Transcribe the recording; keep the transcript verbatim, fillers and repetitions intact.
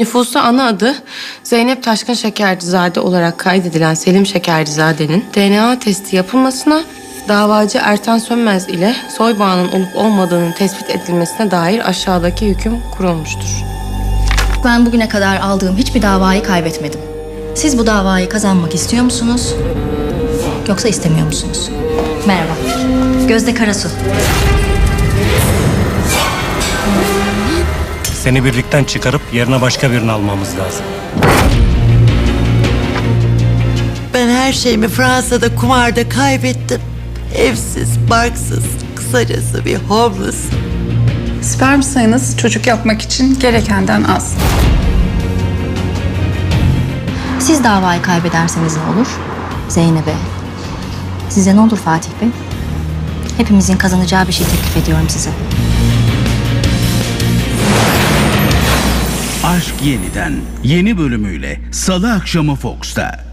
Nüfusta ana adı Zeynep Taşkın Şekercizade olarak kaydedilen Selim Şekercizade'nin D N A testi yapılmasına, davacı Ertan Sönmez ile soy bağının olup olmadığının tespit edilmesine dair aşağıdaki hüküm kurulmuştur. Ben bugüne kadar aldığım hiçbir davayı kaybetmedim. Siz bu davayı kazanmak istiyor musunuz? Yoksa istemiyor musunuz? Merhaba. Gözde Karasu. Seni birlikten çıkarıp yerine başka birini almamız lazım. Ben her şeyimi Fransa'da kumarda kaybettim. Evsiz, barksız, kısacası bir homeless. Sperm sayınız çocuk yapmak için gerekenden az. Siz davayı kaybederseniz ne olur? Zeynep'e. Size ne olur Fatih Bey? Hepimizin kazanacağı bir şey teklif ediyorum size. Aşk Yeniden yeni bölümüyle Salı akşamı Fox'ta.